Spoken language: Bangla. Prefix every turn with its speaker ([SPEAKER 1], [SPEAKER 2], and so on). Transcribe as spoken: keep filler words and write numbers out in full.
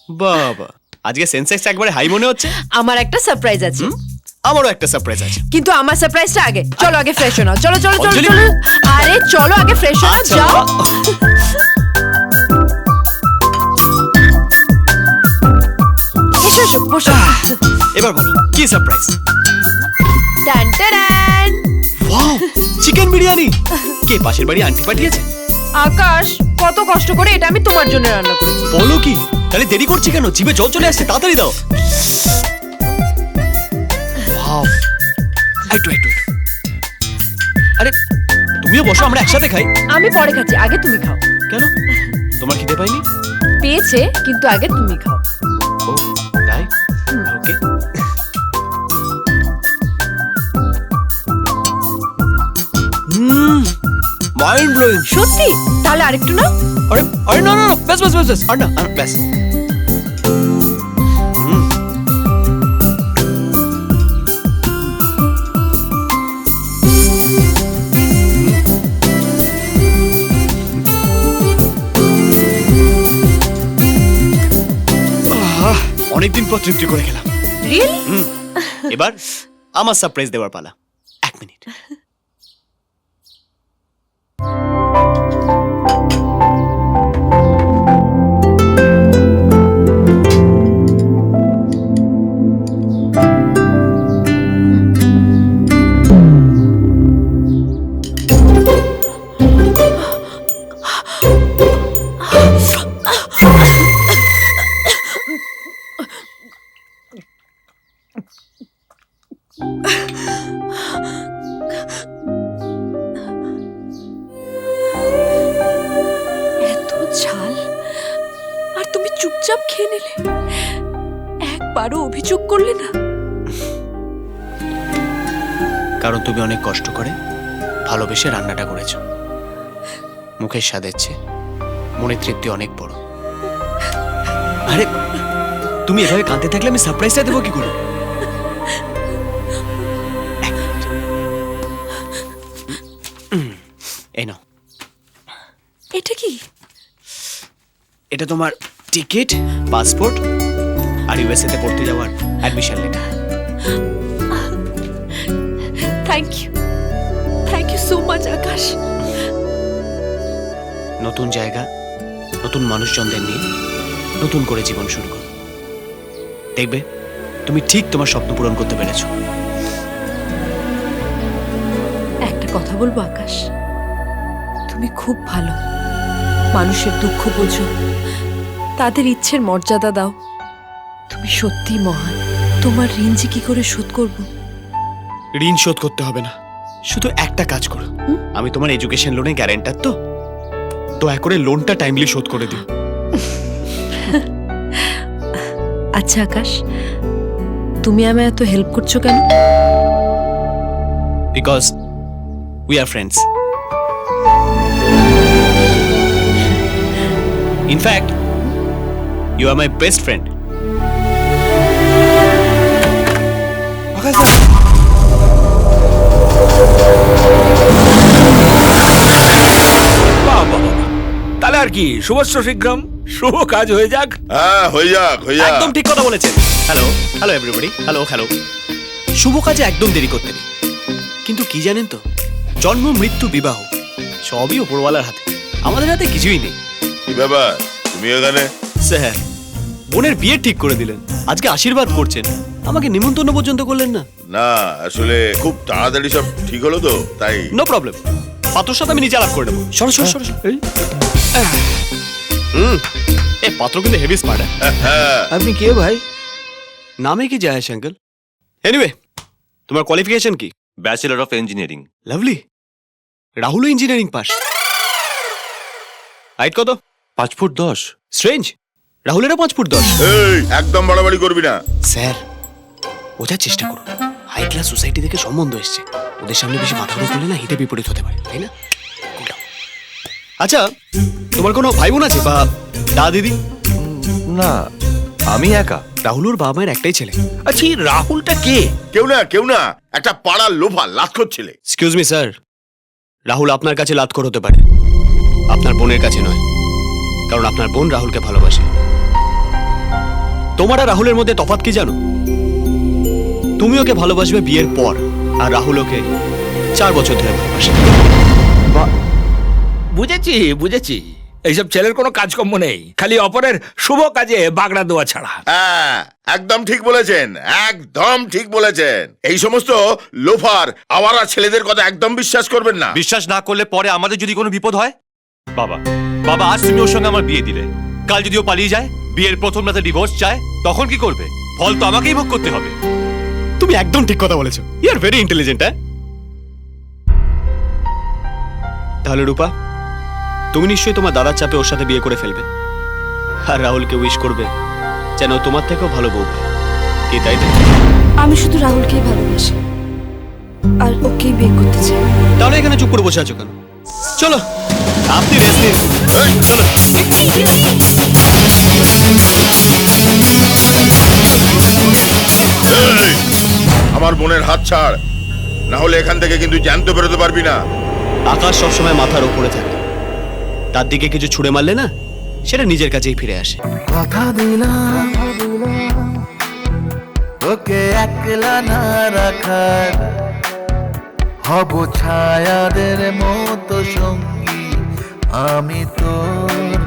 [SPEAKER 1] বাবা, আজকে সেন্সেক্স একবারে হাই মনে হচ্ছে।
[SPEAKER 2] আমার একটা সারপ্রাইজ আছে।
[SPEAKER 1] আমারও একটা সারপ্রাইজ আছে,
[SPEAKER 2] কিন্তু আমার সারপ্রাইজটা আগে। চলো আগে ফ্রেশ হও। চলো চলো চলো
[SPEAKER 1] অঞ্জলি।
[SPEAKER 2] চলো। আরে চলো আগে ফ্রেশ হও,
[SPEAKER 1] আচ্ছা,
[SPEAKER 2] যাও। এসো এসো বসো।
[SPEAKER 1] এবার বলো কি সারপ্রাইজ?
[SPEAKER 2] টান টান।
[SPEAKER 1] Wow, chicken biryani. কে পাশের বাড়ি আন্টি পাঠিয়েছে?
[SPEAKER 2] আকাশ, কত কষ্ট করে এটা আমি তোমার জন্য রান্না করেছি।
[SPEAKER 1] বলো কি? তাহলে দেরি করছি কেন? জিভে জল চলে আসছে, তাড়াতাড়ি দাও। ওয়াও, একটু একটু একটু। আরে তুমিও বসো, আমরা একসাথে খাই।
[SPEAKER 2] আমি পরে খাচ্ছি, আগে তুমি খাও।
[SPEAKER 1] কেন? তোমার খিদে পাইনি?
[SPEAKER 2] পেয়েছে, কিন্তু আগে তুমি খাও।
[SPEAKER 1] ও তাই? ওকে। Hmm, mind blowing.
[SPEAKER 2] সত্যি? তাহলে আরেকটু না?
[SPEAKER 1] আরে আরে না না না, ব্যাস ব্যাস ব্যাস ব্যাস, আর না আর ব্যাস। হুম। আহ, অনেকদিন পর তৃপ্তি করে গেলাম।
[SPEAKER 2] রিয়েলি?
[SPEAKER 1] হুম, এবার আমার সারপ্রাইজ দেওয়ার পালা। এক মিনিট।
[SPEAKER 2] এত ঝাল, আর তুমি চুপচাপ খেয়ে নিলে, একবারও অভিযোগ করলে না?
[SPEAKER 1] কারণ তুমি অনেক কষ্ট করে ভালোবেসে রান্নাটা করেছো। মুখের স্বাদের চেয়ে মনের তৃপ্তি অনেক বড়। আরে তুমি এভাবে কাঁদতে থাকলে আমি সারপ্রাইজটা দেবো কি করে? এক মিনিট। উম, এই নাও।
[SPEAKER 2] এটা কি?
[SPEAKER 1] এটা তোমার টিকিট, পাসপোর্ট আর ইউএসএ তে পড়তে যাওয়ার admission letter.
[SPEAKER 2] Thank you, thank you so much Akash.
[SPEAKER 1] নতুন জায়গা, নতুন মানুষজনদের নিয়ে নতুন করে জীবন শুরু করো। দেখবে তুমি ঠিক তোমার স্বপ্ন পূরণ করতে পেরেছো।
[SPEAKER 2] একটা কথা বলবো আকাশ, তুমি খুব ভালো। মানুষের দুঃখ বোঝো, তাদের ইচ্ছের মর্যাদা দাও। তুমি সত্যি মহান। তোমার ঋণ যে কি করে শোধ করব?
[SPEAKER 1] ঋণ শোধ করতে হবে না, শুধু একটা কাজ করো। আমি তোমার এডুকেশন লোনে গ্যারান্টার, তো দয়া করে লোনটা টাইমলি শোধ করে দিও।
[SPEAKER 2] আচ্ছা আকাশ, তুমি আমায় এত হেল্প করছো কেন?
[SPEAKER 1] Because we are friends. In fact you are my best friend.
[SPEAKER 3] Akash দা, বাবা, তাহলে আর কি, শুভস্য শীঘ্রম, শুভ কাজ হয়ে যাক।
[SPEAKER 4] হ্যাঁ হয়ে যাক হয়ে যাক।
[SPEAKER 1] একদম ঠিক কথা বলেছেন। Hello hello everybody, hello hello. শুভ কাজে একদম দেরি করতে নেই, কিন্তু কি জানেন তো, জন্ম মৃত্যু বিবাহ সবই উপরওয়ালার হাতে, আমাদের হাতে কিছুই নেই।
[SPEAKER 4] কি ব্যাপার তুমি এখানে?
[SPEAKER 1] স্যার, বোনের বিয়ে ঠিক করে দিলেন, আজকে আশীর্বাদ করছেন, আমাকে নিমন্ত্রণ পর্যন্ত করলেন না।
[SPEAKER 4] না আসলে খুব তাড়াতাড়ি সব ঠিক হলো তো তাই।
[SPEAKER 1] নো প্রবলেম, পাত্রর সাথে আমি নিজে আলাপ করে নেবো। সরো সরো সরো সরো। এই। হুম, এ পাত্র কিন্তু হেভি স্মার্ট।
[SPEAKER 4] হ্যাঁ
[SPEAKER 3] আপনি কে ভাই?
[SPEAKER 1] নামে কি যায় আঙ্কেল? এনিওয়ে, তোমার কোয়ালিফিকেশন কি?
[SPEAKER 5] Bachelor of engineering.
[SPEAKER 1] লাভলি। রাহুলও ইঞ্জিনিয়ারিং পাস। হাইট কত?
[SPEAKER 5] পাঁচ ফুট দশ।
[SPEAKER 1] স্ট্রেঞ্জ, রাহুলেরও পাঁচ ফুট দশ।
[SPEAKER 4] এই একদম বাড়াবাড়ি করবি না।
[SPEAKER 1] স্যার, বোঝার চেষ্টা করুন, হাই ক্লাস সোসাইটি থেকে সম্বন্ধ এসছে, ওদের সামনে বেশি মাথা গরম করলে না হিতে বিপরীত হতে পারে, তাই না? Cool down. আচ্ছা, তোমার কোনো ভাই বোন আছে বা দা দিদি?
[SPEAKER 5] না, আমি একা।
[SPEAKER 1] রাহুলুর বাবা মায়ের একটাই ছেলে।
[SPEAKER 3] আচ্ছা, এই রাহুলটা কে?
[SPEAKER 4] কেউ না কেউ না, একটা পাড়ার লোফা লাতখোর ছেলে।
[SPEAKER 1] এক্সকিউজ মি স্যার, রাহুল আপনার কাছে লাতখোর হতে পারে, আপনার বোনের কাছে নয়, কারণ আপনার বোন রাহুলকে ভালোবাসে। তোমার আর রাহুলের মধ্যে তফাৎ কি জানো? তুমি ওকে ভালোবাসবে বিয়ের পর, আর রাহুল ওকে চার বছর ধরে ভালোবাসে।
[SPEAKER 3] বুঝেছি বুঝেছি এইসব ছেলের কোনো কাজকর্ম নেই, খালি অপরের শুভ কাজে বাগড়া দেওয়া ছাড়া।
[SPEAKER 4] হ্যাঁ, একদম ঠিক বলেছেন, একদম ঠিক বলেছেন। এই সমস্ত লোফার আওয়ারা ছেলেদের কথা একদম বিশ্বাস করবেন না।
[SPEAKER 5] বিশ্বাস না করলে পরে আমাদের যদি কোনো বিপদ হয়? বাবা বাবা আজ তুমি ওর সঙ্গে আমার বিয়ে দিলে, কাল যদি ও পালিয়ে যায়, বিয়ের প্রথম রাতে ডিভোর্স চায়, তখন কি করবে? ফল তো আমাকেই ভোগ করতে হবে।
[SPEAKER 1] তুমি একদম ঠিক কথা বলেছো। You are very intelligent. হ্যাঁ, তাহলে রূপা, তুমি নিশ্চয়ই তোমার দাদার চাপে ওর সাথে বিয়ে করে ফেলবে, আর রাহুলকে উইশ করবে যেন ও তোমার থেকেও ভালো বউ পায়। কি তাই তো?
[SPEAKER 2] আমি শুধু রাহুলকেই ভালোবাসি, আর ওকেই বিয়ে করতে চাই।
[SPEAKER 1] তাহলে এখানে চুপ করে বসে আছো কেন? চলো, আপনি রেস্ট নিন।
[SPEAKER 4] এই,
[SPEAKER 1] চলো।
[SPEAKER 4] এই, আমার বোনের হাত ছাড়, না হলে এখান থেকে কিন্তু জ্যান্ত বেরোতে পারবি না।
[SPEAKER 1] আকাশ সবসময় মাথার ওপরে থাকে, তার দিকে কিছু ছুঁড়ে মারলে না, সেটা নিজের কাছেই ফিরে আসে।
[SPEAKER 6] কথা দিলাম ওকে একলা না রাখার, হব ছায়াদের মতো সঙ্গী আমি তোর